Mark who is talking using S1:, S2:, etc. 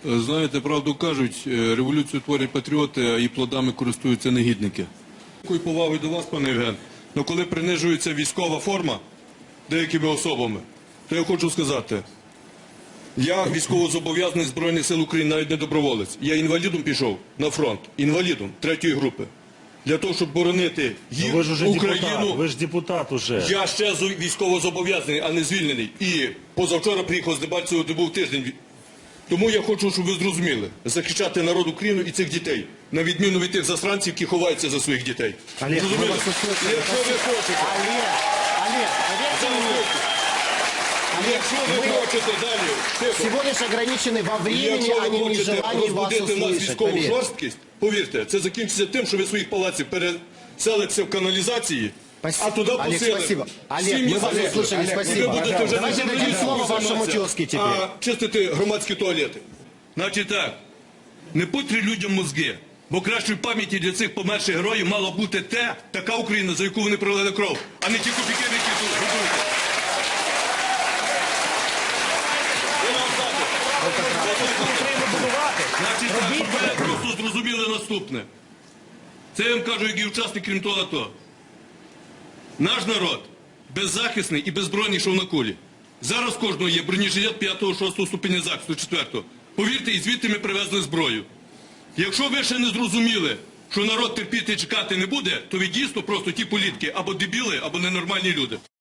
S1: Знаєте, правду кажуть, революцію творять патріоти, а її плодами користуються негідники. Такою повагою до вас, пане Євген, але коли принижується військова форма деякими особами, то я хочу сказати, я військовозобов'язаний Збройних сил України, навіть не доброволець. Я інвалідом пішов на фронт, інвалідом 3-ї групи. Для того, щоб боронити їх, Україну.
S2: Ви ж депутат уже.
S1: Я ще військовозобов'язаний, а не звільнений. І позавчора приїхав з Дебальцевого, де був тиждень. Тому я хочу, щоб ви зрозуміли, захищати народ України і цих дітей, на відміну від тих засранців, які ховаються за своїх дітей.
S2: Олег,
S1: Зрозуміли?
S2: ми вас услышали.
S1: Якщо ви хочете, якщо ви хочете далі, тихо.
S3: Всего лишь ограничены во времени,
S1: Якщо
S3: а
S1: ви
S3: не в
S1: хочете
S3: нежелании вас
S1: розбудити в нас
S3: услышать.
S1: військову
S3: Поверь.
S1: жорсткість, повірте, це закінчиться тим, що ви своїх палаців переселите в каналізації, а туди
S3: Олег,
S1: посилите.
S3: спасибо. Олег, мы вас услышали, спасибо. Давайте дадим слово вашему тезке теперь.
S1: А чистити громадські туалети. Значить так, не путри людям мозги, бо кращої пам'яті для цих померших героїв мала бути така Україна, за яку вони пролили кров, а не ті копійки, які тут готують. Значить, так, щоб ви просто зрозуміли наступне. Це я вам кажу, як і учасник Кримту АТО. Наш народ беззахисний і беззбройний, що на кулі. Зараз кожного є бронежилет 5-6 ступеня захисту, 4-го. Повірте, і звідти ми привезли зброю. Якщо ви ще не зрозуміли, що народ терпіти і чекати не буде, то ви дійсно просто ті політики або дебіли, або ненормальні люди.